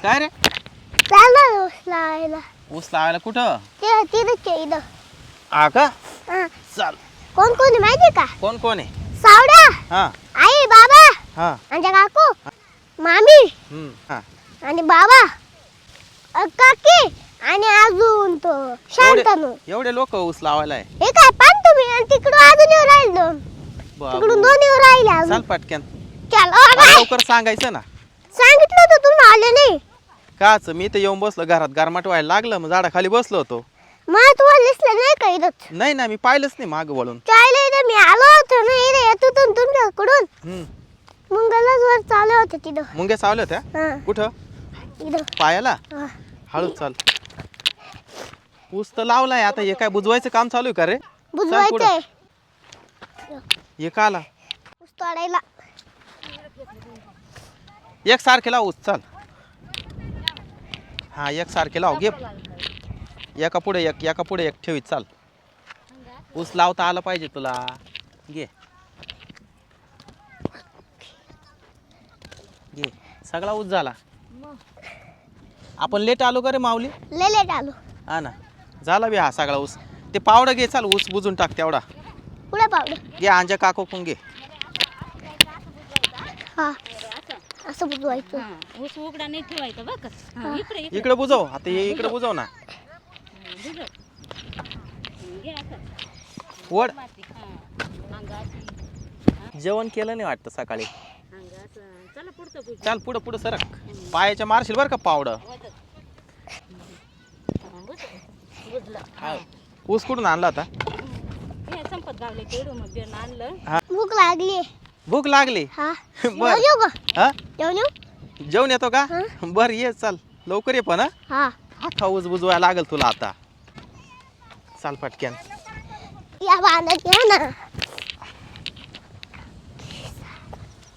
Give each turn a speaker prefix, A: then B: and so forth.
A: काय रे?
B: चालला ऊस लावायला.
A: ऊस लावायला कुठं?
B: ते तिथेच आहे इथं.
A: हा का?
B: हा.
A: चल.
B: कोण कोण आहे माहिती का?
A: कोण कोण आहे?
B: सावड्या,
A: हा
B: आई, बाबा,
A: हा
B: आमच्या काकू, मामी
A: हा.
B: आणि बाबा, काकी आणि अजून तो शांतनू.
A: एवढे लोक ऊस लावायला आहे.
B: हे काय पान तुम्ही आणि तिकडून अजून येऊ राहिले दोन. तिकडून दोन येऊ राहिले
A: चल
B: अजून.
A: पटकन.
B: चल
A: लवकर सांगायचं ना.
B: सांगितलं होतं तुम्ही आले नाही.
A: काच मी तर येऊन बसलो घरात गारमाट व्हायला लागलं मग झाडाखाली बसलो होतो.
B: मग तुम्हाला दिसलं नाही का इथंच?
A: नाही ना मी पाहिलंच नाही माग वळून.
B: चायला इथं मी आलो होतो ना इथे येत होतो तुमच्याकडून. मुंगलच वर चालू होतं तिथं.
A: मुंग्या चावल्या होत्या?
B: हा
A: कुठं?
B: इथं.
A: पायाला?
B: हा.
A: हळू चाल. ऊस तर लावलाय आता हे काय बुजवायचं काम चालू आहे का रे?
B: बुजवायचंय.
A: हे का आला?
B: ऊस तोडायला.
A: एक सारखे लाव ऊस चाल. हा एक सारखे लाव घे. एका पुढे एक ठेवी चाल. ऊस लावता आला पाहिजे तुला. घे घे सगळा ऊस झाला. आपण लेट आलो का रे माऊली?
B: लेट आलो.
A: हा ना झाला बी हा सगळा ऊस. ते पावडं घे चाल ऊस बुजून टाक तेवढा.
B: पुढे पावडं
A: घे आंजा काको पण घे.
B: हा असं बुजवायचं.
C: ऊस उघडा नाही ठेवायचा बघ. इकडे
A: इकडे बुजव आता हे इकडे बुजव ना. वड जेवण केलं नाही वाटतं सकाळी.
C: चला पुढचं
A: चाल पुढं पुढं सरक. पायाच्या मारशील बरं का पावडं. ऊस कुठून आणला होता?
C: संपत गावले तेवढं मग बियाणं आणलं.
B: भूक लागली.
A: भूक लागली?
B: हा
A: बर
B: येऊ का?
A: हा
B: जेवण येऊ?
A: जेवण येतो का? बर ये चाल लवकर ये पण.
B: हा
A: हा ऊस बुजवायला लागल तुला आता. चाल पटक्यान.
B: या बांधत या ना.